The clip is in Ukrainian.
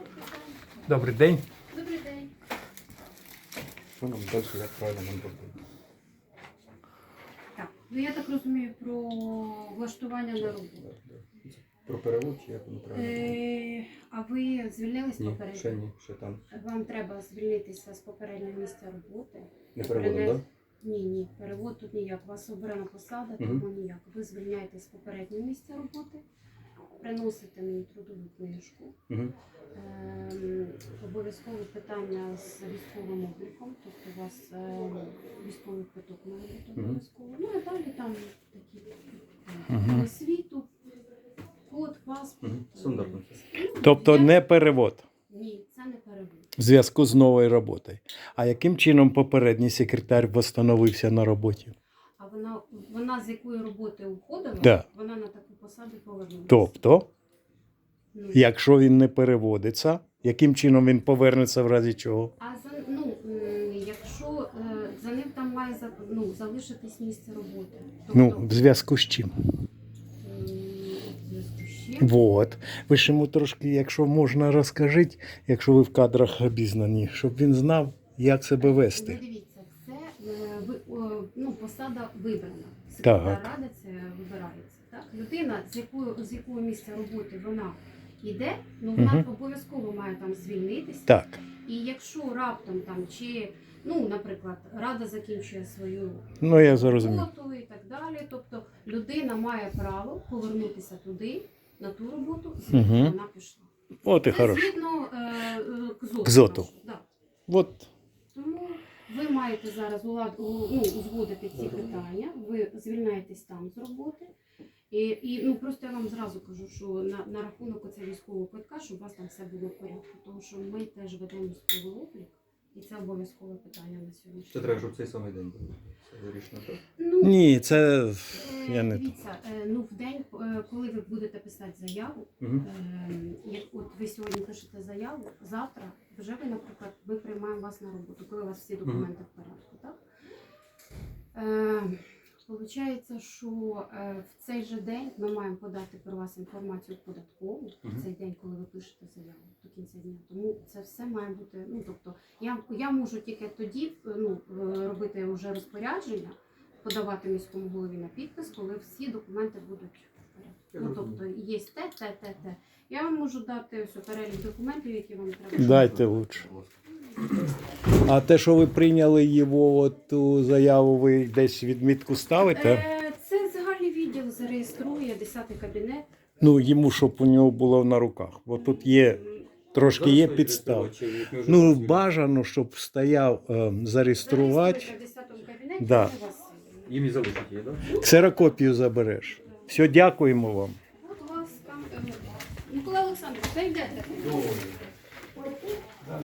Добрий день. Добрий день. Що нам далі, як правильно нам робити? Так, ну я так розумію про влаштування на роботу. Про перевод чи як воно правильно? А ви звільнились Ні, попередньо? ще ні, ще там. Вам треба звільнитися з попереднього місця роботи. Не переводом, так? Ні, перевод тут ніяк. У вас обрана посада, тому ніяк. Ви звільняєтесь з попереднього місця роботи, приносите мені трудову книжку. Обов'язкове питання з військовим обліком, тобто у вас військовий квиток має бути обов'язково. Ну і далі там такі освіту, код, паспорт. Стандартно. Тобто не перевод Ні, це не перевод. в зв'язку з новою роботою. А яким чином попередній секретар встановився на роботі? А вона з якої роботи уходила, Да. вона на таку посаду повернулася. Тобто, Ну, якщо він не переводиться, яким чином він повернеться в разі чого? якщо за ним там має залишитись місце роботи. Ну, в зв'язку з чим? в зв'язку з чим? Вот. Ви ж йому трошки, якщо можна, розкажіть, якщо ви в кадрах обізнані, щоб він знав, як себе вести. Ну, дивіться, це посада вибрана. Так. Секретар ради це вибирається. Так? Людина, з якого місця роботи вона йде, вона обов'язково має там звільнитися. Так. І якщо раптом там наприклад, рада закінчує свою Ну, я зрозумів. роботу і так далі, тобто людина має право повернутися туди, на ту роботу, звідки вона пішла. От і Це хорошо. згідно К ЗОТу. Да. От. Тому ви маєте зараз узгодити ці питання, ви звільняєтесь там з роботи. І просто я вам зразу кажу, що на рахунок оцього військового квитка, щоб у вас там все було в порядку, тому що ми теж ведемо військовий облік, і це обов'язкове питання на сьогодні. Це треба, щоб цей самий день був. Це вирішено, так? Ні, це я не... Дивіться, в день, коли ви будете писати заяву, як от ви сьогодні пишете заяву, завтра вже ви, наприклад, ми приймаємо вас на роботу, коли у вас всі документи в порядку, так? Получається, що в цей же день ми маємо подати про вас інформацію податкову, в цей день, коли ви пишете заяву, до кінця дня. Тому це все має бути, тобто, я можу тільки тоді робити вже розпорядження, подавати міському голові на підпис, коли всі документи будуть в порядку. Тобто, є те. Я вам можу дати ось перелік документів, які вам треба. Дайте лучше. А те, що ви прийняли його, ту заяву, ви десь відмітку ставите? Це загальний відділ зареєструє, 10-й кабінет. Ну, йому, щоб у нього було на руках. Бо тут є, трошки є підстав. Ну, бажано, щоб стояв зареєструвати. Зареєструйте в 10-му кабінеті, Да. вони вас... Їм і залишить її, так? Ксерокопію забереш. Все, дякуємо вам. От у вас там... Микола Олександрович, зайдете.